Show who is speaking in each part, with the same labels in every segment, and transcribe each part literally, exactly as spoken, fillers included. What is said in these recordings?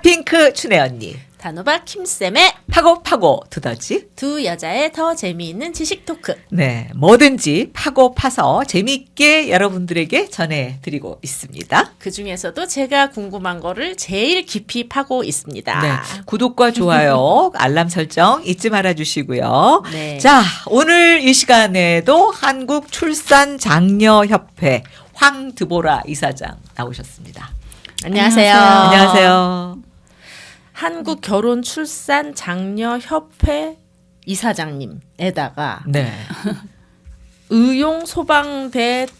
Speaker 1: 핑크 춘혜 언니.
Speaker 2: 단호박 킴쌤의
Speaker 1: 파고 파고 두더지.
Speaker 2: 두 여자의 더 재미있는 지식 토크.
Speaker 1: 네, 뭐든지 파고 파서 재미있게 여러분들에게 전해드리고 있습니다.
Speaker 2: 그중에서도 제가 궁금한 거를 제일 깊이 파고 있습니다.
Speaker 1: 네, 구독과 좋아요, 알람 설정 잊지 말아주시고요.
Speaker 2: 네.
Speaker 1: 자, 오늘 이 시간에도 한국출산장려협회 황드보라 이사장 나오셨습니다.
Speaker 2: 안녕하세요.
Speaker 1: 안녕하세요.
Speaker 2: 한국결혼출산장려협회 이사장님에다가
Speaker 1: 네.
Speaker 2: 의용소방대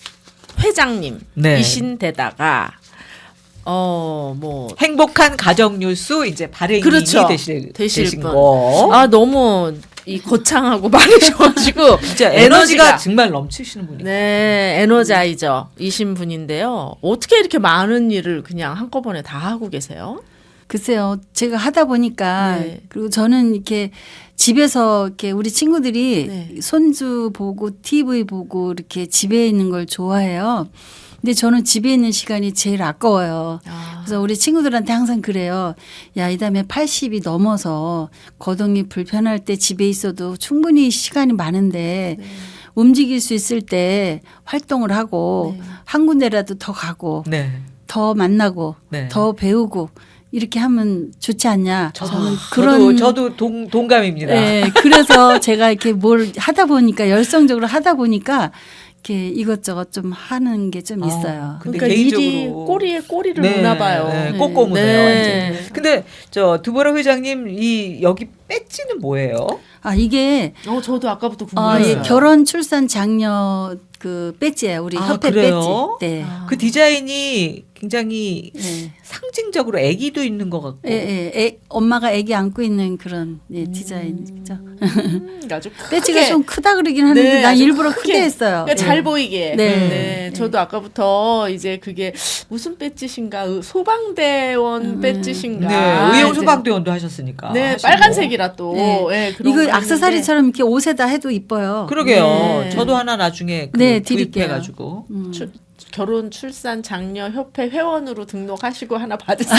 Speaker 2: 회장님이신
Speaker 1: 네.
Speaker 2: 데다가 어 뭐
Speaker 1: 행복한 가정뉴스 이제 발행인이
Speaker 2: 그렇죠.
Speaker 1: 되실,
Speaker 2: 되실
Speaker 1: 되신
Speaker 2: 분.
Speaker 1: 거.
Speaker 2: 아 너무 이 거창하고 많으셔가지고
Speaker 1: 진짜 에너지가 정말 넘치시는 분이에요.
Speaker 2: 네 에너자이저이신 분인데요. 어떻게 이렇게 많은 일을 그냥 한꺼번에 다 하고 계세요?
Speaker 3: 글쎄요, 제가 하다 보니까
Speaker 2: 네.
Speaker 3: 그리고 저는 이렇게 집에서 이렇게 우리 친구들이
Speaker 2: 네.
Speaker 3: 손주 보고 티비 보고 이렇게 집에 있는 걸 좋아해요. 근데 저는 집에 있는 시간이 제일 아까워요.
Speaker 2: 아.
Speaker 3: 그래서 우리 친구들한테 항상 그래요. 야, 이 다음에 팔십이 넘어서 거동이 불편할 때 집에 있어도 충분히 시간이 많은데
Speaker 2: 네.
Speaker 3: 움직일 수 있을 때 활동을 하고
Speaker 2: 네.
Speaker 3: 한 군데라도 더 가고
Speaker 1: 네.
Speaker 3: 더 만나고
Speaker 1: 네.
Speaker 3: 더 배우고 이렇게 하면 좋지 않냐.
Speaker 1: 저도,
Speaker 3: 저는
Speaker 1: 그런
Speaker 3: 그런
Speaker 1: 저도 동, 동감입니다.
Speaker 3: 네, 그래서 제가 이렇게 뭘 하다 보니까 열성적으로 하다 보니까 이렇게 이것저것 좀 하는 게 좀
Speaker 1: 어,
Speaker 3: 있어요.
Speaker 1: 근데
Speaker 2: 그러니까 일이
Speaker 1: 개인적으로
Speaker 2: 꼬리에 꼬리를
Speaker 1: 네,
Speaker 2: 무나 봐요.
Speaker 1: 네, 꼬꼬무네요.
Speaker 2: 네.
Speaker 1: 완전. 근데 저 두보라 회장님 이 여기 배지는 뭐예요?
Speaker 3: 아 이게
Speaker 2: 어 저도 아까부터
Speaker 3: 어,
Speaker 2: 궁금했어요.
Speaker 3: 예, 결혼 출산 장려 그 배지예요. 우리
Speaker 1: 아,
Speaker 3: 협회
Speaker 1: 그래요?
Speaker 3: 배지. 네.
Speaker 2: 아.
Speaker 1: 그 디자인이 굉장히
Speaker 3: 네.
Speaker 1: 상징적으로 애기도 있는 것 같고.
Speaker 3: 예, 예, 애, 엄마가 아기 안고 있는 그런 예, 디자인이죠.
Speaker 2: 음, 아주 크게.
Speaker 3: 배지가 좀 크다 그러긴 하는데
Speaker 2: 네,
Speaker 3: 난
Speaker 2: 아주
Speaker 3: 일부러
Speaker 2: 크게.
Speaker 3: 크게 했어요.
Speaker 2: 그러니까
Speaker 3: 예.
Speaker 2: 잘 보이게.
Speaker 3: 네.
Speaker 2: 네.
Speaker 3: 네.
Speaker 2: 저도 아까부터 이제 그게 무슨 배지신가 의- 소방대원
Speaker 3: 음.
Speaker 2: 배지신가.
Speaker 1: 네, 의용 소방대원도 하셨으니까.
Speaker 2: 네,
Speaker 1: 하시고.
Speaker 2: 빨간색이라 또.
Speaker 3: 네.
Speaker 2: 네, 그런 거
Speaker 3: 이거
Speaker 2: 있는데.
Speaker 3: 액세서리처럼 이렇게 옷에다 해도 이뻐요.
Speaker 1: 그러게요.
Speaker 2: 네.
Speaker 1: 저도 하나 나중에 그
Speaker 3: 네, 드릴게요.
Speaker 1: 구입해가지고.
Speaker 3: 음.
Speaker 2: 출- 결혼 출산 장려 협회 회원으로 등록하시고 하나 받으세요.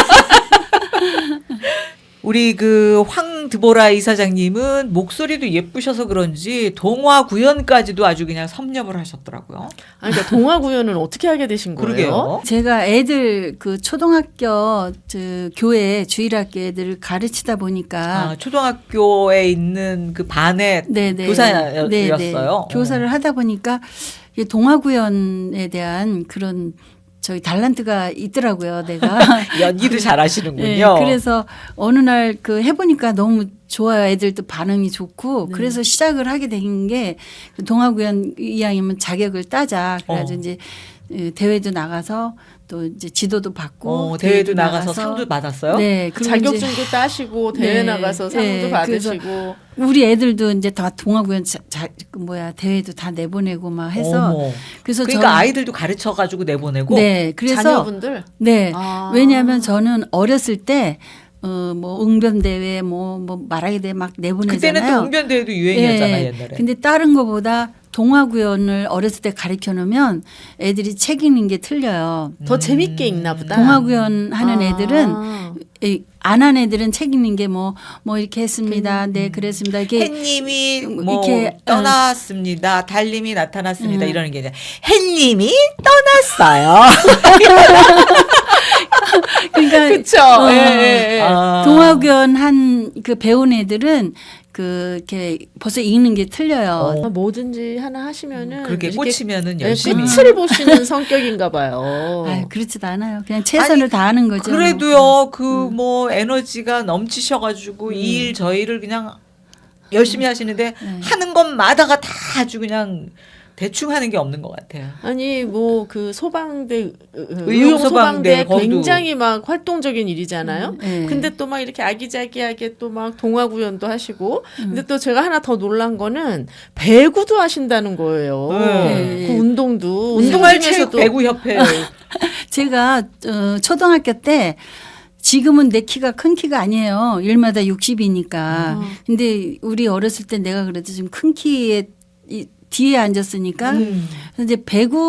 Speaker 1: 우리 그 황드보라 이사장님은 목소리도 예쁘셔서 그런지 동화 구연까지도 아주 그냥 섭렵을 하셨더라고요.
Speaker 2: 아니, 그러니까 동화 구연은 어떻게 하게 되신 거예요?
Speaker 1: 그러게요.
Speaker 3: 제가 애들 그 초등학교 저 교회 주일학교 애들을 가르치다 보니까
Speaker 1: 아, 초등학교에 있는 그 반의
Speaker 3: 네네.
Speaker 1: 교사였어요.
Speaker 3: 네네. 교사를 하다 보니까 이 동화구연에 대한 그런 저희 달란트가 있더라고요. 내가
Speaker 1: 연기도 잘하시는군요.
Speaker 3: 네, 그래서 어느 날 그 해보니까 너무 좋아요. 애들도 반응이 좋고
Speaker 2: 네.
Speaker 3: 그래서 시작을 하게 된 게 동화구연 이왕이면 자격을 따자. 그래가지고
Speaker 1: 어.
Speaker 3: 이제 대회도 나가서 또 이제 지도도 받고
Speaker 1: 어, 대회도 나가서 상도 받았어요?
Speaker 3: 네, 그리고 이제
Speaker 2: 자격증도 따시고 대회
Speaker 3: 네.
Speaker 2: 나가서 상도
Speaker 3: 네,
Speaker 2: 받으시고.
Speaker 3: 우리 애들도 이제 다 동화구연 자, 자, 그 뭐야 대회도 다 내보내고 막 해서
Speaker 1: 어머.
Speaker 3: 그래서
Speaker 1: 그러니까
Speaker 3: 저는-
Speaker 1: 아이들도 가르쳐 가지고 내보내고.
Speaker 3: 네, 그래서
Speaker 2: 자녀분들.
Speaker 3: 네,
Speaker 2: 아.
Speaker 3: 왜냐하면 저는 어렸을 때 어, 뭐 응변 대회 뭐 뭐 말하기 대회 막 내보내잖아요.
Speaker 1: 그때는 또 웅변대회도 유행이었잖아요,
Speaker 3: 예,
Speaker 1: 옛날에.
Speaker 3: 근데 다른 거보다 동화구연을 어렸을 때 가르쳐 놓으면 애들이 책 읽는 게 틀려요.
Speaker 2: 더
Speaker 1: 음.
Speaker 2: 재밌게 읽나 보다.
Speaker 3: 동화구연 하는
Speaker 2: 아.
Speaker 3: 애들은 안 한 애들은 책 읽는 게 뭐 뭐 이렇게 했습니다. 네, 그랬습니다. 이게
Speaker 1: 햇님이 뭐
Speaker 3: 이렇게,
Speaker 1: 떠났습니다. 달님이 나타났습니다.
Speaker 3: 음.
Speaker 1: 이러는 게 아니라 햇님이 떠났어요.
Speaker 3: 그러니까
Speaker 2: 그쵸.
Speaker 3: 어,
Speaker 2: 예, 예, 예.
Speaker 1: 아.
Speaker 3: 동화구연 한 그 배운 애들은 그 이렇게 벌써 읽는 게 틀려요.
Speaker 1: 어.
Speaker 2: 뭐든지 하나 하시면은
Speaker 1: 그렇게
Speaker 2: 이렇게
Speaker 1: 꽂히면은
Speaker 2: 네,
Speaker 1: 열심히.
Speaker 2: 끝을 보시는 성격인가 봐요.
Speaker 3: 아, 그렇지도 않아요. 그냥 최선을
Speaker 1: 아니,
Speaker 3: 다하는 거죠.
Speaker 1: 그래도요, 그
Speaker 3: 음.
Speaker 1: 뭐 에너지가 넘치셔가지고 이 일 저 일을 그냥 열심히 하시는데
Speaker 3: 네.
Speaker 1: 하는 것마다가 다 아주 그냥 대충 하는 게 없는 것 같아요.
Speaker 2: 아니 뭐 그 소방대
Speaker 1: 의용
Speaker 2: 의용
Speaker 1: 소방대
Speaker 2: 소방대
Speaker 1: 거기도.
Speaker 2: 굉장히 막 활동적인 일이잖아요.
Speaker 3: 네.
Speaker 2: 근데 또 막 이렇게 아기자기하게 또 막 동화 구연도 하시고
Speaker 3: 음.
Speaker 2: 근데 또 제가 하나 더 놀란 거는 배구도 하신다는 거예요.
Speaker 1: 네.
Speaker 2: 그 운동도 운동
Speaker 1: 생활체육
Speaker 2: 중에서도
Speaker 1: 배구협회.
Speaker 3: 제가 어, 초등학교 때 지금은 내 키가 큰 키가 아니에요. 일마다 육십이니까.
Speaker 2: 아.
Speaker 3: 근데 우리 어렸을 때 내가 그래도 좀 큰 키에 이 뒤에 앉았으니까
Speaker 1: 음.
Speaker 3: 그래서 이제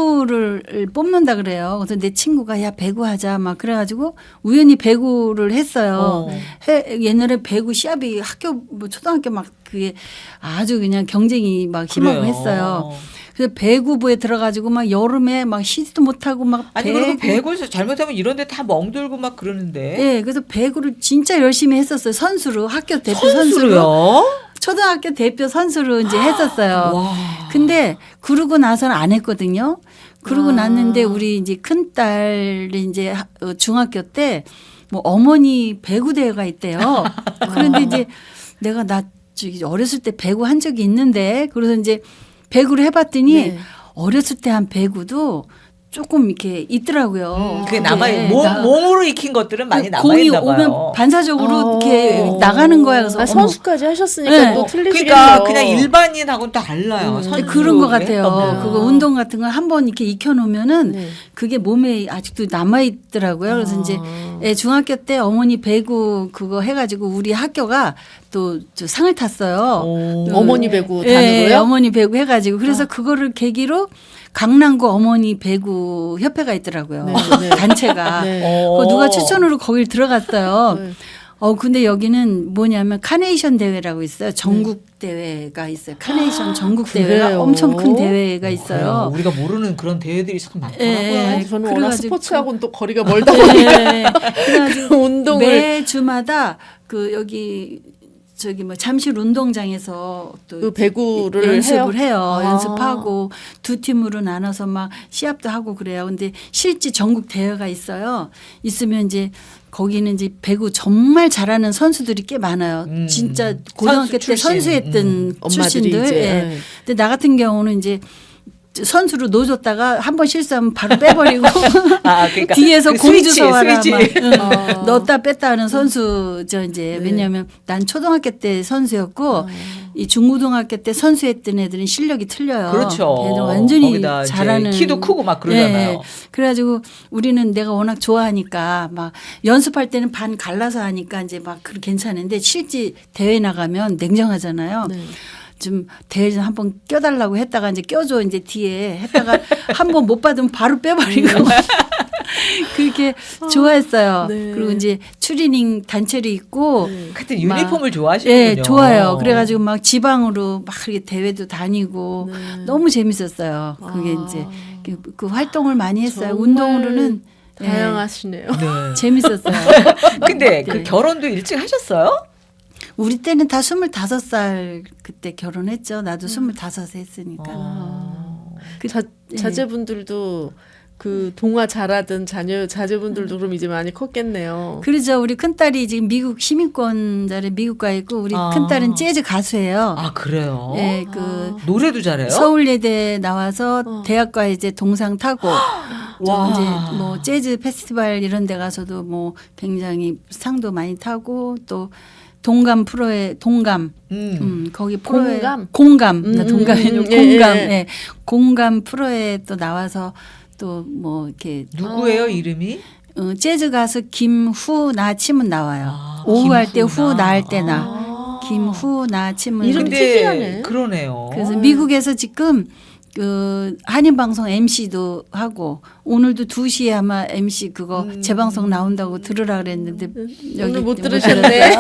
Speaker 3: 배구를 뽑는다 그래요. 그래서 내 친구가 야 배구 하자 막 그래가지고 우연히 배구를 했어요.
Speaker 1: 어.
Speaker 3: 해, 옛날에 배구 시합이 학교 뭐 초등학교 막 그게 아주 그냥 경쟁이 막 심하고
Speaker 1: 그래요.
Speaker 3: 했어요. 그래서 배구부에 들어가지고 막 여름에 막 쉬지도 못하고 막
Speaker 1: 아니
Speaker 3: 배구.
Speaker 1: 그리고 배구에서 잘못하면 이런데 다 멍들고 막 그러는데.
Speaker 3: 예, 그래서 배구를 진짜 열심히 했었어요. 선수로 학교 대표 선수로.
Speaker 1: 선수로요?
Speaker 3: 초등학교 대표 선수로 이제 했었어요.
Speaker 1: 와.
Speaker 3: 근데 그러고 나서는 안 했거든요. 그러고
Speaker 2: 아.
Speaker 3: 났는데 우리 이제 큰 딸이 이제 하- 어, 중학교 때 뭐 어머니 배구 대회가 있대요. 그런데 이제 내가 나 저기 어렸을 때 배구 한 적이 있는데 그래서 이제 배구를 해봤더니
Speaker 2: 네.
Speaker 3: 어렸을 때 한 배구도 조금 이렇게 있더라고요.
Speaker 1: 음, 그게
Speaker 3: 근데
Speaker 1: 남아 몸
Speaker 3: 나-
Speaker 1: 몸으로 익힌 것들은 많이 남아
Speaker 3: 공이
Speaker 1: 있나 봐요.
Speaker 3: 오면 반사적으로
Speaker 2: 어.
Speaker 3: 이렇게 나가는 거야. 그래서
Speaker 2: 아,
Speaker 3: 어머.
Speaker 2: 선수까지 하셨으니까
Speaker 3: 네.
Speaker 2: 또
Speaker 1: 어,
Speaker 2: 틀리시겠네요.
Speaker 1: 그러니까 그냥 일반인하고는 달라요.
Speaker 2: 음.
Speaker 1: 선수로
Speaker 3: 그런 것 같아요.
Speaker 1: 했다면.
Speaker 3: 그거 운동 같은 거 한 번 이렇게 익혀놓으면은
Speaker 2: 네.
Speaker 3: 그게 몸에 아직도 남아 있더라고요. 그래서
Speaker 2: 아.
Speaker 3: 이제 예, 중학교 때 어머니 배구 그거 해가지고 우리 학교가 또 저 상을 탔어요.
Speaker 1: 오.
Speaker 3: 그-
Speaker 2: 어머니 배구
Speaker 3: 예,
Speaker 2: 단으로요?
Speaker 3: 어머니 배구 해가지고 그래서
Speaker 2: 아.
Speaker 3: 그거를 계기로 강남구 어머니 배구 협회가 있더라고요.
Speaker 2: 네, 네.
Speaker 3: 단체가.
Speaker 2: 네.
Speaker 1: 어.
Speaker 3: 그거 누가 추천으로 거길 들어갔어요.
Speaker 2: 네.
Speaker 3: 어 근데 여기는 뭐냐면 카네이션 대회라고 있어요. 전국 대회가 있어요. 카네이션 전국 대회가
Speaker 2: 그래요?
Speaker 3: 엄청 큰 대회가
Speaker 1: 그래요.
Speaker 3: 있어요.
Speaker 1: 우리가 모르는 그런 대회들이 참 많더라고요.
Speaker 3: 예,
Speaker 2: 아, 저는 워낙
Speaker 3: 그래가지고
Speaker 2: 스포츠하고는 또 거리가 멀다 보니까
Speaker 3: 네. 그래가지고
Speaker 2: 운동을
Speaker 3: 매주마다 그 여기 저기 뭐 잠실 운동장에서 또
Speaker 2: 그 배구를
Speaker 3: 연습을
Speaker 2: 해요?
Speaker 3: 해요.
Speaker 2: 아.
Speaker 3: 연습하고 두 팀으로 나눠서 막 시합도 하고 그래요. 근데 실제 전국 대회가 있어요. 있으면 이제 거기는 이제 배구 정말 잘하는 선수들이 꽤 많아요.
Speaker 1: 음.
Speaker 3: 진짜 고등학교
Speaker 1: 선수
Speaker 3: 때
Speaker 1: 출신.
Speaker 3: 선수했던
Speaker 1: 음.
Speaker 2: 엄마들이
Speaker 3: 출신들.
Speaker 2: 이제,
Speaker 3: 예.
Speaker 2: 네.
Speaker 3: 근데 나 같은 경우는 이제 선수로 놓아줬다가 한 번 실수하면 바로 빼버리고
Speaker 1: 아, 그러니까
Speaker 3: 뒤에서
Speaker 1: 그
Speaker 3: 공
Speaker 1: 스위치,
Speaker 3: 주워 와라
Speaker 1: 스위치.
Speaker 3: 막 응.
Speaker 2: 어.
Speaker 3: 넣었다 뺐다 하는 선수죠 이제.
Speaker 2: 네.
Speaker 3: 왜냐하면 난 초등학교 때 선수였고
Speaker 2: 어.
Speaker 3: 이 중고등학교 때 선수했던 애들은 실력이 틀려요.
Speaker 1: 그렇죠.
Speaker 3: 걔들 완전히
Speaker 1: 거기다 이제
Speaker 3: 잘하는
Speaker 1: 키도 크고 막 그러잖아요.
Speaker 3: 예. 그래가지고 우리는 내가 워낙 좋아하니까 막 연습할 때는 반 갈라서 하니까 이제 막 그렇게 괜찮은데 실제 대회 나가면 냉정하잖아요.
Speaker 2: 네.
Speaker 3: 좀 대회 좀 한번 껴달라고 했다가 이제 껴줘 이제 뒤에 했다가 한 번 못 받으면 바로 빼버리고 그렇게 좋아했어요.
Speaker 2: 네.
Speaker 3: 그리고 이제 추리닝 단체로 입고
Speaker 2: 네.
Speaker 1: 하여튼
Speaker 3: 막-
Speaker 1: 유니폼을 좋아하시는군요.
Speaker 3: 예, 좋아요. 그래가지고 막 지방으로 막 이렇게 대회도 다니고
Speaker 2: 네.
Speaker 3: 너무 재밌었어요. 그게
Speaker 2: 아.
Speaker 3: 이제 그, 그 활동을 많이 했어요.
Speaker 2: 정말
Speaker 3: 운동으로는 예,
Speaker 2: 다양하시네요.
Speaker 1: 네.
Speaker 3: 재밌었어요.
Speaker 1: 근데 그
Speaker 3: 네.
Speaker 1: 결혼도 일찍 하셨어요?
Speaker 3: 우리 때는 다 스물다섯 살 그때 결혼했죠. 나도 스물다섯에 했으니까.
Speaker 1: 어.
Speaker 3: 그,
Speaker 2: 자,
Speaker 3: 예.
Speaker 2: 자제분들도 그 동화 잘하던 자녀 자제분들도 그럼 이제 많이 컸겠네요.
Speaker 3: 그러죠. 우리 큰딸이 지금 미국 시민권자를 미국 가 있고 우리
Speaker 1: 아.
Speaker 3: 큰딸은 재즈 가수예요.
Speaker 1: 아 그래요?
Speaker 3: 예, 그
Speaker 1: 노래도 잘해요?
Speaker 3: 서울예대 나와서
Speaker 2: 어.
Speaker 3: 대학과 이제 동상 타고 좀
Speaker 1: 와.
Speaker 3: 이제 뭐 재즈 페스티벌 이런 데 가서도 뭐 굉장히 상도 많이 타고 또 동감 프로에 동감
Speaker 1: 음.
Speaker 3: 음, 거기 프로에
Speaker 2: 공감?
Speaker 3: 공감
Speaker 2: 음,
Speaker 3: 나 동감이 아니고
Speaker 2: 음, 예,
Speaker 3: 공감
Speaker 2: 예.
Speaker 3: 예. 공감 프로에 또 나와서 또 뭐 이렇게
Speaker 1: 누구예요
Speaker 2: 어.
Speaker 1: 이름이?
Speaker 3: 어, 재즈 가수 김후나 치면 나와요.
Speaker 1: 아,
Speaker 3: 오후 할 때
Speaker 1: 김후나.
Speaker 3: 후 나 할 때나
Speaker 2: 아.
Speaker 3: 김후나 치면
Speaker 2: 이름
Speaker 1: 근데
Speaker 2: 특이하네.
Speaker 1: 그러네요.
Speaker 3: 그래서 미국에서 지금 그 한인방송 엠시도 하고 오늘도 두 시에 아마 엠시 그거
Speaker 1: 음.
Speaker 3: 재방송 나온다고 들으라 그랬는데 여기
Speaker 2: 오늘 못
Speaker 3: 못
Speaker 2: 들으셨네.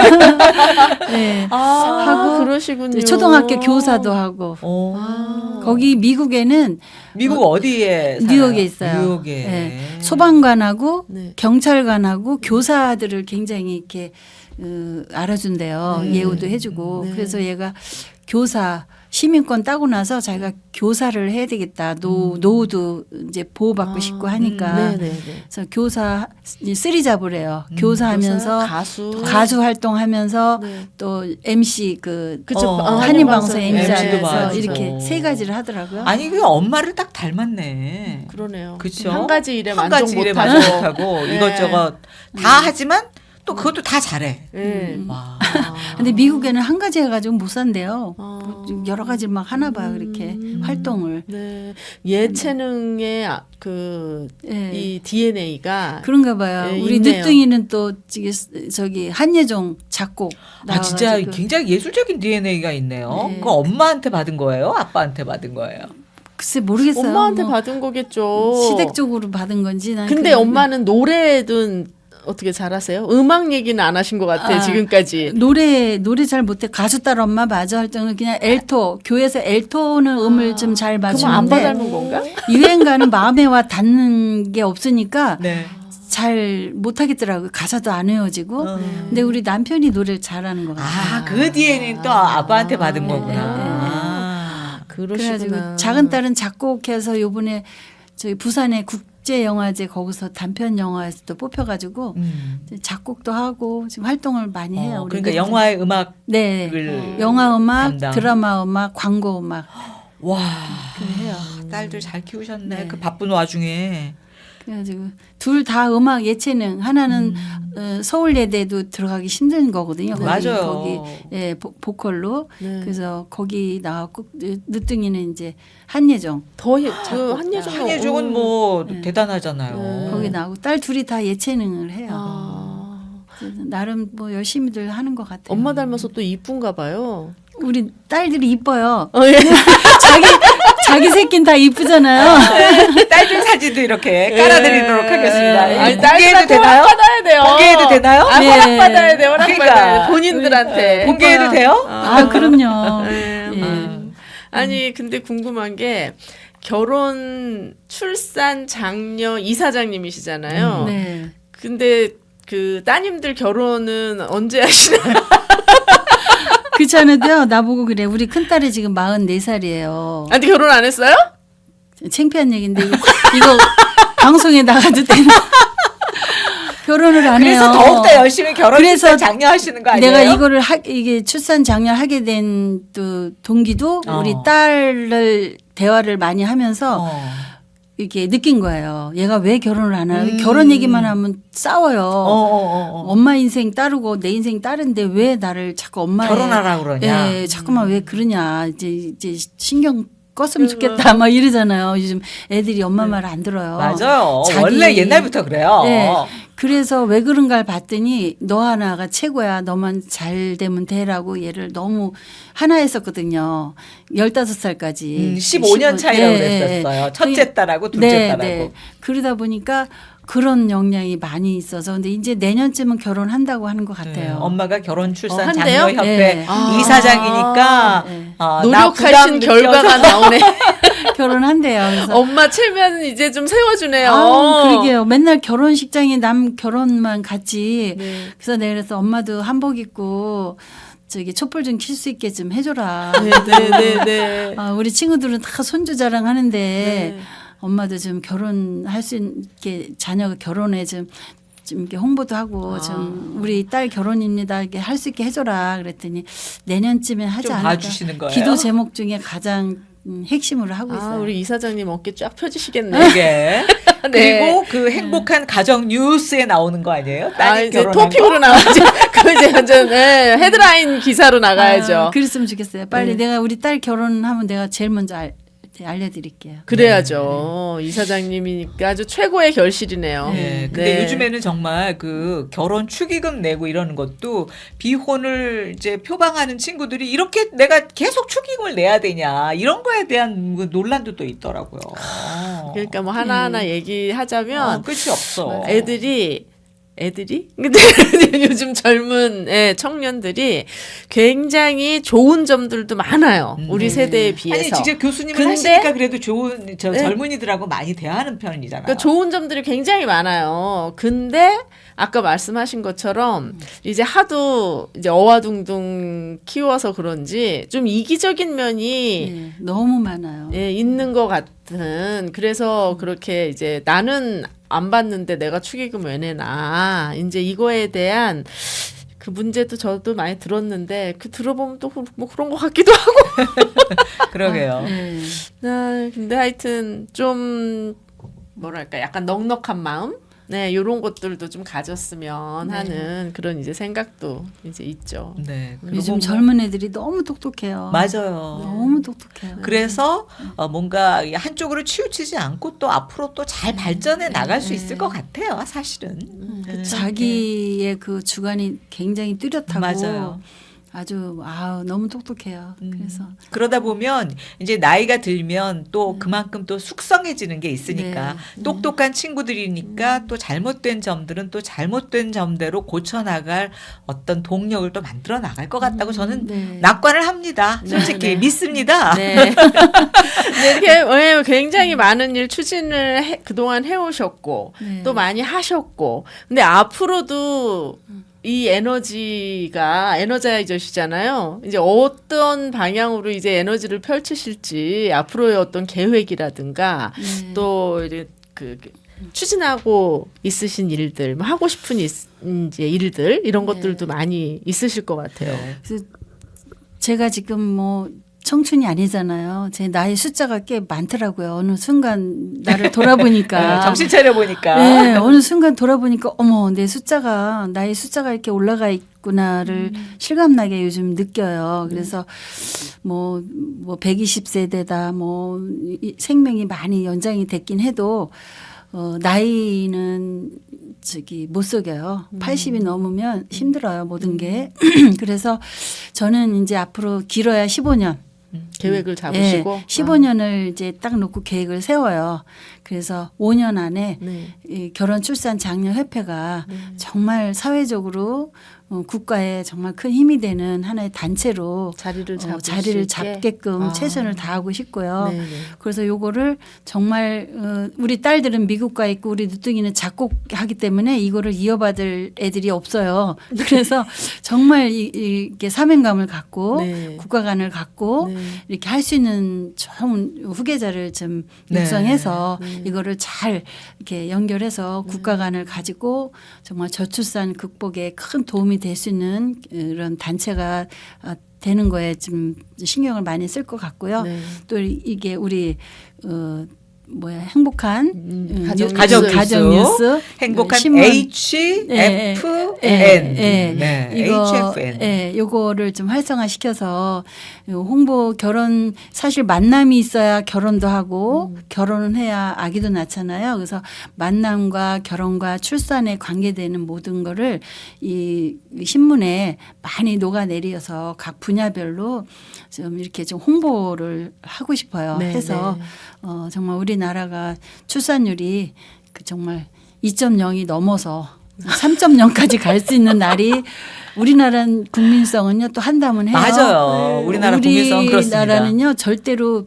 Speaker 3: 네.
Speaker 2: 아,
Speaker 3: 하고
Speaker 2: 그러시군요.
Speaker 3: 초등학교 교사도 하고
Speaker 1: 어.
Speaker 2: 아.
Speaker 3: 거기 미국에는
Speaker 1: 미국 어디에 살아요?
Speaker 3: 뉴욕에 있어요.
Speaker 1: 뉴욕에.
Speaker 3: 네. 소방관하고
Speaker 2: 네.
Speaker 3: 경찰관하고 교사들을 굉장히 이렇게 어, 알아준대요.
Speaker 2: 네.
Speaker 3: 예우도 해주고
Speaker 2: 네.
Speaker 3: 그래서 얘가 교사 시민권 따고 나서 자기가 교사를 해야 되겠다. 노 노후도 이제 보호받고
Speaker 2: 아,
Speaker 3: 싶고 하니까
Speaker 2: 네, 네, 네.
Speaker 3: 그래서 교사 이제 쓰리 잡을 해요.
Speaker 1: 음,
Speaker 3: 교사하면서
Speaker 2: 교사, 가수,
Speaker 3: 가수 활동하면서
Speaker 2: 네.
Speaker 3: 또 엠시 그
Speaker 2: 그쵸.
Speaker 1: 어,
Speaker 2: 아,
Speaker 3: 한인방송
Speaker 1: 엠시도
Speaker 3: 엠시에서
Speaker 1: 봐야죠.
Speaker 3: 이렇게 세 가지를 하더라고요.
Speaker 1: 아니 그 엄마를 딱 닮았네.
Speaker 2: 그러네요.
Speaker 1: 그쵸?
Speaker 2: 한 가지 일에
Speaker 1: 한
Speaker 2: 만족
Speaker 1: 가지 일에
Speaker 2: 못하고
Speaker 1: 만족 못하고
Speaker 2: 네.
Speaker 1: 이것저것 다 하지만 또 그것도 다 잘해.
Speaker 2: 네.
Speaker 3: 음.
Speaker 1: 와.
Speaker 3: 근데 미국에는 한 가지 해가지고 못 산대요.
Speaker 2: 아.
Speaker 3: 뭐 여러 가지 막 하나 봐요, 그렇게
Speaker 2: 음.
Speaker 3: 활동을.
Speaker 2: 네. 예체능의 아, 그,
Speaker 3: 예.
Speaker 2: 이 디엔에이가.
Speaker 3: 그런가 봐요.
Speaker 2: 예,
Speaker 3: 우리
Speaker 2: 있네요.
Speaker 3: 늦둥이는 또 저기, 저기 한예종 작곡
Speaker 1: 아 진짜
Speaker 3: 나와가지고
Speaker 1: 굉장히 예술적인 디엔에이가 있네요.
Speaker 3: 네.
Speaker 1: 그거 엄마한테 받은 거예요? 아빠한테 받은 거예요?
Speaker 3: 글쎄 모르겠어요.
Speaker 2: 엄마한테
Speaker 3: 뭐
Speaker 2: 받은 거겠죠.
Speaker 3: 시댁적으로 받은 건지. 난
Speaker 2: 근데
Speaker 3: 그냥
Speaker 2: 엄마는 노래든 어떻게 잘하세요? 음악 얘기는 안 하신 것 같아,
Speaker 3: 아,
Speaker 2: 지금까지.
Speaker 3: 노래 노래 잘 못해. 가수 딸 엄마 맞아 할 정도는 그냥 엘토 교회에서 엘토는 음을 좀 잘
Speaker 2: 그럼 아빠
Speaker 3: 맞추는데
Speaker 2: 닮은 건가?
Speaker 3: 유행가는 마음에 와 닿는 게 없으니까
Speaker 1: 네.
Speaker 3: 잘 못하겠더라고요. 가사도 안 외워지고.
Speaker 1: 어.
Speaker 3: 근데 우리 남편이 노래를 잘하는 것 같아요.
Speaker 1: 아, 그 디엔에이는 또 아빠한테 받은
Speaker 2: 네,
Speaker 1: 거구나.
Speaker 3: 네, 네, 네.
Speaker 1: 아.
Speaker 2: 그러시구나.
Speaker 3: 그래가지고 작은 딸은 작곡해서 요번에 저희 부산의 국제 영화제 거기서 단편 영화에서 또 뽑혀가지고
Speaker 1: 음.
Speaker 3: 작곡도 하고 지금 활동을 많이 해요.
Speaker 1: 어,
Speaker 3: 우리
Speaker 1: 그러니까
Speaker 3: 늦둥이.
Speaker 1: 영화의 음악을
Speaker 3: 네, 영화 음악,
Speaker 1: 담당.
Speaker 3: 드라마 음악, 광고 음악
Speaker 1: 와
Speaker 3: 해요.
Speaker 1: 딸들 잘 키우셨네.
Speaker 3: 네.
Speaker 1: 그 바쁜 와중에.
Speaker 3: 그래가지고 둘 다 음악 예체능 하나는
Speaker 1: 음.
Speaker 3: 어, 서울예대도 들어가기 힘든 거거든요. 거기,
Speaker 1: 맞아요.
Speaker 3: 거기 예, 보, 보컬로
Speaker 2: 네.
Speaker 3: 그래서 거기 나왔고 늦- 늦둥이는 이제 한예종
Speaker 2: 더, 예- 그, 한예종.
Speaker 1: 한예종은 뭐
Speaker 3: 네.
Speaker 1: 대단하잖아요.
Speaker 2: 네.
Speaker 3: 거기 나오고 딸 둘이 다 예체능을 해요.
Speaker 2: 아.
Speaker 3: 그래서 나름 뭐 열심히들 하는 것 같아요.
Speaker 2: 엄마 닮아서 또 이쁜가 봐요.
Speaker 3: 우리 딸들이 이뻐요.
Speaker 2: 어, 예.
Speaker 3: 자기 자기 새끼는 다 이쁘잖아요.
Speaker 1: 딸들 사진도 이렇게 깔아드리도록 하겠습니다.
Speaker 2: 네. 아니,
Speaker 1: 공개해도
Speaker 2: 딸들한테
Speaker 1: 되나요?
Speaker 2: 허락받아야 돼요.
Speaker 1: 공개해도 되나요?
Speaker 2: 아,
Speaker 3: 네.
Speaker 2: 허락받아야 돼, 허락받아야
Speaker 1: 그러니까.
Speaker 2: 돼. 본인들한테.
Speaker 1: 공개해도
Speaker 3: 이뻐요.
Speaker 1: 돼요?
Speaker 3: 아 그럼요.
Speaker 2: 네.
Speaker 3: 예.
Speaker 2: 음. 아니, 근데 궁금한 게 결혼, 출산, 장녀 이사장님이시잖아요.
Speaker 3: 네.
Speaker 2: 근데 그 따님들 결혼은 언제 하시나요?
Speaker 3: 그렇지 않아도요. 나보고 그래. 우리 큰딸이 지금 마흔네 살이에요.
Speaker 2: 아직 결혼 안 했어요?
Speaker 3: 창피한 얘기인데 이거, 이거 방송에 나가도 되나? 결혼을 안 해요.
Speaker 1: 그래서 더욱더 열심히 결혼
Speaker 3: 그래서
Speaker 1: 출산 장려하시는 거 아니에요?
Speaker 3: 내가 이거를 하, 이게 출산 장려 하게 된 또 동기도
Speaker 1: 어.
Speaker 3: 우리 딸을 대화를 많이 하면서
Speaker 1: 어.
Speaker 3: 이렇게 느낀 거예요. 얘가 왜 결혼을 안 하나?
Speaker 1: 음.
Speaker 3: 결혼 얘기만 하면 싸워요.
Speaker 1: 어, 어, 어, 어.
Speaker 3: 엄마 인생 따르고 내 인생 따른데 왜 나를 자꾸 엄마의
Speaker 1: 결혼하라고 그러냐?
Speaker 3: 예, 자꾸만 왜 그러냐. 이제 이제 신경 껐으면 좋겠다. 막 이러잖아요. 요즘 애들이 엄마 말 안 들어요.
Speaker 1: 맞아요.
Speaker 3: 자기-
Speaker 1: 원래 옛날부터 그래요.
Speaker 3: 네. 그래서 왜 그런가를 봤더니 너 하나가 최고야. 너만 잘 되면 되라고 얘를 너무 하나 했었거든요. 열다섯 살까지.
Speaker 1: 음, 십오 년 차이라고
Speaker 3: 네,
Speaker 1: 그랬었어요.
Speaker 3: 네.
Speaker 1: 첫째 딸하고 둘째
Speaker 3: 네,
Speaker 1: 딸하고.
Speaker 3: 네. 그러다 보니까 그런 영향이 많이 있어서 근데 이제 내년쯤은 결혼한다고 하는 것
Speaker 1: 네,
Speaker 3: 같아요.
Speaker 1: 엄마가 결혼 출산
Speaker 2: 어, 한대요?
Speaker 1: 장려협회
Speaker 3: 네.
Speaker 2: 아.
Speaker 1: 이사장이니까
Speaker 3: 네.
Speaker 1: 어, 나 부담
Speaker 2: 노력하신
Speaker 1: 느껴서-
Speaker 2: 결과가 나오네.
Speaker 3: 결혼한대요. 그래서
Speaker 2: 엄마 체면 이제 좀 세워주네요.
Speaker 3: 아, 그러게요. 맨날 결혼식장에 남 결혼만 갔지.
Speaker 2: 네.
Speaker 3: 그래서 내가 그래서 엄마도 한복 입고 저기 촛불 좀 킬 수 있게 좀 해줘라.
Speaker 2: 네, 네, 네, 네.
Speaker 3: 아, 우리 친구들은 다 손주 자랑하는데
Speaker 2: 네.
Speaker 3: 엄마도 좀 결혼할 수 있게 자녀가 결혼에 좀, 좀 이렇게 홍보도 하고
Speaker 2: 아.
Speaker 3: 좀 우리 딸 결혼입니다. 이렇게 할 수 있게 해줘라. 그랬더니 내년쯤에 하지
Speaker 1: 좀
Speaker 3: 않을까.
Speaker 1: 봐주시는 거예요.
Speaker 3: 기도 제목 중에 가장 음, 핵심으로 하고
Speaker 2: 아,
Speaker 3: 있어요.
Speaker 2: 우리 이사장님 어깨 쫙 펴주시겠네.
Speaker 1: 이게 그리고 그 행복한 가정 뉴스에 나오는 거 아니에요?
Speaker 2: 아,
Speaker 1: 딸이
Speaker 2: 이제
Speaker 1: 결혼한
Speaker 2: 토픽으로 나가죠. 그 이제 완전 네, 헤드라인 기사로 나가야죠.
Speaker 3: 아, 그랬으면 좋겠어요. 빨리
Speaker 2: 네.
Speaker 3: 내가 우리 딸 결혼하면 내가 제일 먼저 알, 알려드릴게요.
Speaker 2: 그래야죠. 이사장님이니까 아주 최고의 결실이네요.
Speaker 1: 네. 근데
Speaker 2: 네.
Speaker 1: 요즘에는 정말 그 결혼 축의금 내고 이러는 것도 비혼을 이제 표방하는 친구들이 이렇게 내가 계속 축의금을 내야 되냐 이런 거에 대한 그 논란도 또 있더라고요.
Speaker 2: 그러니까 뭐 하나하나
Speaker 3: 음.
Speaker 2: 얘기하자면
Speaker 1: 어, 끝이 없어.
Speaker 2: 애들이 애들이 근데 요즘 젊은 예, 청년들이 굉장히 좋은 점들도 많아요.
Speaker 1: 음.
Speaker 2: 우리
Speaker 3: 네.
Speaker 2: 세대에 비해서.
Speaker 1: 아니 직접 교수님을
Speaker 2: 근데-
Speaker 1: 하시니까 그래도 좋은 저
Speaker 2: 네.
Speaker 1: 젊은이들하고 많이 대화하는 편이잖아요.
Speaker 2: 그러니까 좋은 점들이 굉장히 많아요. 근데 아까 말씀하신 것처럼 이제 하도 이제 어와둥둥 키워서 그런지 좀 이기적인 면이
Speaker 3: 네, 너무 많아요.
Speaker 2: 예, 있는 것 같은. 그래서 그렇게 이제 나는 안 받는데 내가 축의금 왜 내나. 이제 이거에 대한 그 문제도 저도 많이 들었는데 그 들어보면 또 뭐 그런 것 같기도 하고.
Speaker 1: 그러게요.
Speaker 3: 네.
Speaker 2: 아, 근데 하여튼 좀 뭐랄까 약간 넉넉한 마음. 네, 요런 것들도 좀 가졌으면
Speaker 3: 네.
Speaker 2: 하는 그런 이제 생각도 이제 있죠.
Speaker 1: 네. 그리고
Speaker 3: 요즘
Speaker 1: 뭐-
Speaker 3: 젊은 애들이 너무 똑똑해요.
Speaker 1: 맞아요.
Speaker 3: 너무 똑똑해요.
Speaker 1: 그래서 어, 뭔가 한쪽으로 치우치지 않고 또 앞으로 또 잘 발전해 나갈 수
Speaker 3: 네.
Speaker 1: 있을 것 같아요. 사실은.
Speaker 2: 음,
Speaker 1: 네.
Speaker 3: 자기의 그 주관이 굉장히 뚜렷하고
Speaker 1: 맞아요.
Speaker 3: 아주 아우 너무 똑똑해요.
Speaker 1: 음.
Speaker 3: 그래서
Speaker 1: 그러다 보면 이제 나이가 들면 또
Speaker 3: 음.
Speaker 1: 그만큼 또 숙성해지는 게 있으니까
Speaker 3: 네.
Speaker 1: 똑똑한 친구들이니까 또 잘못된 점들은 또 잘못된 점대로 고쳐 나갈 어떤 동력을 또 만들어 나갈 것 같다고 저는
Speaker 3: 네.
Speaker 1: 낙관을 합니다.
Speaker 2: 네,
Speaker 1: 솔직히
Speaker 2: 네.
Speaker 1: 믿습니다.
Speaker 2: 네. 네, 이렇게 왜냐면 굉장히 많은 일 추진을 해, 그동안 해오셨고
Speaker 3: 네.
Speaker 2: 또 많이 하셨고 근데 앞으로도 이 에너지가 에너자이저시잖아요. 이제 어떤 방향으로 이제 에너지를 펼치실지 앞으로의 어떤 계획이라든가
Speaker 3: 네.
Speaker 2: 또 이제 그 추진하고 있으신 일들, 뭐 하고 싶은 일, 이제 일들 이런
Speaker 3: 네.
Speaker 2: 것들도 많이 있으실 것 같아요.
Speaker 3: 그래서 제가 지금 뭐 청춘이 아니잖아요. 제 나이 숫자가 꽤 많더라고요. 어느 순간 나를 돌아보니까
Speaker 1: 네, 정신 차려 보니까.
Speaker 3: 네, 어느 순간 돌아보니까 어머 내 숫자가 나의 숫자가 이렇게 올라가 있구나를 실감나게 요즘 느껴요. 그래서 뭐 뭐 백이십 세대다 뭐 이- 생명이 많이 연장이 됐긴 해도 어 나이는 저기 못 속여요. 팔십이 넘으면 힘들어요 모든 게. 그래서 저는 이제 앞으로 길어야 십오 년.
Speaker 2: 계획을 잡으시고
Speaker 3: 예, 십오 년을 이제 딱 놓고 계획을 세워요. 그래서 오 년 안에
Speaker 2: 아, 네.
Speaker 3: 이 결혼 출산 장려 협회가
Speaker 2: 네.
Speaker 3: 정말 사회적으로 어, 국가에 정말 큰 힘이 되는 하나의 단체로
Speaker 2: 자리를
Speaker 3: 어,
Speaker 2: 잡을
Speaker 3: 자리를
Speaker 2: 수 있게?
Speaker 3: 잡게끔
Speaker 2: 아.
Speaker 3: 최선을 다하고 싶고요.
Speaker 2: 네, 네.
Speaker 3: 그래서 요거를 정말 어, 우리 딸들은 미국 가 있고 우리 누뚱이는 작곡하기 때문에 이거를 이어받을 애들이 없어요. 그래서 정말 이, 이렇게 사명감을 갖고
Speaker 2: 네.
Speaker 3: 국가관을 갖고
Speaker 2: 네.
Speaker 3: 이렇게 할 수 있는 좋은 후계자를 좀
Speaker 1: 네.
Speaker 3: 육성해서
Speaker 2: 네.
Speaker 3: 이거를 잘 이렇게 연결해서 국가관을 가지고 정말 저출산 극복에 큰 도움이 될 수 있는 이런 단체가 어, 되는 거에 좀 신경을 많이 쓸 것 같고요.
Speaker 2: 네.
Speaker 3: 또 이게 우리 어 뭐야 행복한
Speaker 2: 음,
Speaker 3: 음,
Speaker 2: 가정
Speaker 3: 뉴-
Speaker 1: 가정
Speaker 2: 뉴스.
Speaker 3: 가정 뉴스
Speaker 1: 행복한
Speaker 3: 신문.
Speaker 1: H
Speaker 3: 예,
Speaker 1: F
Speaker 3: 예,
Speaker 1: N.
Speaker 3: 예.
Speaker 1: 네.
Speaker 3: 이거
Speaker 1: H F N.
Speaker 3: 예, 요거를 좀 활성화시켜서 요 홍보 결혼 사실 만남이 있어야 결혼도 하고
Speaker 2: 음.
Speaker 3: 결혼은 해야 아기도 낳잖아요. 그래서 만남과 결혼과 출산에 관계되는 모든 거를 이 신문에 많이 녹아내려서 각 분야별로 좀 이렇게 좀 홍보를 하고 싶어요.
Speaker 2: 네,
Speaker 3: 해서
Speaker 2: 네.
Speaker 3: 어, 정말 우리나라가 출산율이 그 정말 이 점 영이 넘어서 삼 점 영까지 갈 수 있는 날이 우리나라 국민성은요 또 한다면 해요.
Speaker 1: 맞아요. 우리나라 국민성은 그렇습니다.
Speaker 3: 우리나라는요 절대로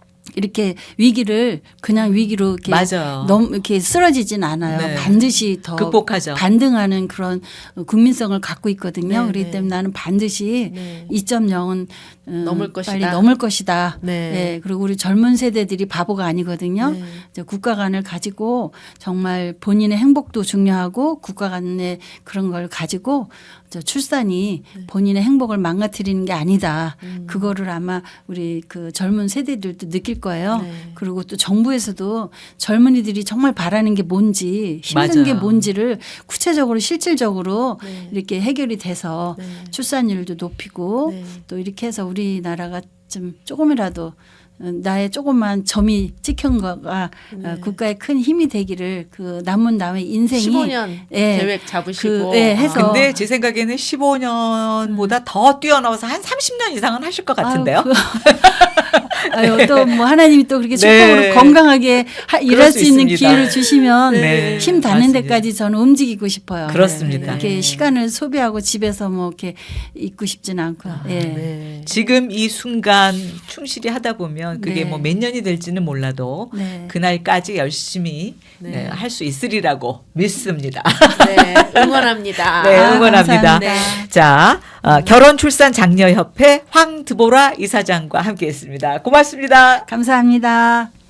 Speaker 3: 이렇게 위기를 그냥 위기로 이렇게
Speaker 1: 맞아요.
Speaker 3: 너무 이렇게 쓰러지진 않아요.
Speaker 1: 네.
Speaker 3: 반드시 더
Speaker 1: 극복하죠.
Speaker 3: 반등하는 그런 국민성을 갖고 있거든요.
Speaker 2: 네,
Speaker 3: 그렇기
Speaker 2: 네.
Speaker 3: 때문에 나는 반드시
Speaker 2: 네.
Speaker 3: 이 점 영은
Speaker 2: 넘을 것이다.
Speaker 3: 빨리 넘을 것이다.
Speaker 2: 네.
Speaker 3: 네. 그리고 우리 젊은 세대들이 바보가 아니거든요.
Speaker 2: 네.
Speaker 3: 이제 국가관을 가지고 정말 본인의 행복도 중요하고 국가관의 그런 걸 가지고 저 출산이 본인의 행복을 망가뜨리는 게 아니다. 그거를 아마 우리 그 젊은 세대들도 느낄 거예요.
Speaker 2: 네.
Speaker 3: 그리고 또 정부에서도 젊은이들이 정말 바라는 게 뭔지 힘든
Speaker 1: 맞아요.
Speaker 3: 게 뭔지를 구체적으로 실질적으로
Speaker 2: 네.
Speaker 3: 이렇게 해결이 돼서
Speaker 2: 네.
Speaker 3: 출산율도 높이고
Speaker 2: 네.
Speaker 3: 또 이렇게 해서 우리나라가 좀 조금이라도 어, 나의 조그만 점이 찍힌 거가
Speaker 2: 네.
Speaker 3: 어, 국가에 큰 힘이 되기를 그 남은 남의 인생이
Speaker 2: 십오 년
Speaker 3: 예.
Speaker 2: 계획 잡으시고
Speaker 3: 그, 예, 해서
Speaker 1: 근데 제 생각에는 십오 년보다 더 뛰어넘어서 한 삼십 년 이상은 하실 것 같은데요.
Speaker 3: 아유, 또 뭐 하나님이 또 그렇게
Speaker 1: 네.
Speaker 3: 축복으로 건강하게 하, 일할
Speaker 1: 수
Speaker 3: 수 있는
Speaker 1: 있습니다.
Speaker 3: 기회를 주시면
Speaker 1: 네,
Speaker 3: 힘 닿는
Speaker 1: 맞습니다.
Speaker 3: 데까지 저는 움직이고 싶어요.
Speaker 1: 그렇습니다.
Speaker 3: 이렇게
Speaker 2: 네.
Speaker 3: 시간을 소비하고 집에서 뭐 이렇게 있고 싶지는 않고요. 예.
Speaker 2: 네.
Speaker 1: 지금 이 순간 충실히 하다 보면 그게
Speaker 3: 네.
Speaker 1: 뭐 몇 년이 될지는 몰라도
Speaker 3: 네.
Speaker 1: 그날까지 열심히
Speaker 2: 네.
Speaker 1: 할 수 있으리라고 믿습니다.
Speaker 2: 네, 응원합니다.
Speaker 1: 네,
Speaker 3: 아,
Speaker 1: 응원합니다.
Speaker 3: 감사합니다.
Speaker 1: 자, 어, 결혼 출산 장려협회 황드보라 이사장과 함께했습니다. 고맙습니다.
Speaker 3: 감사합니다.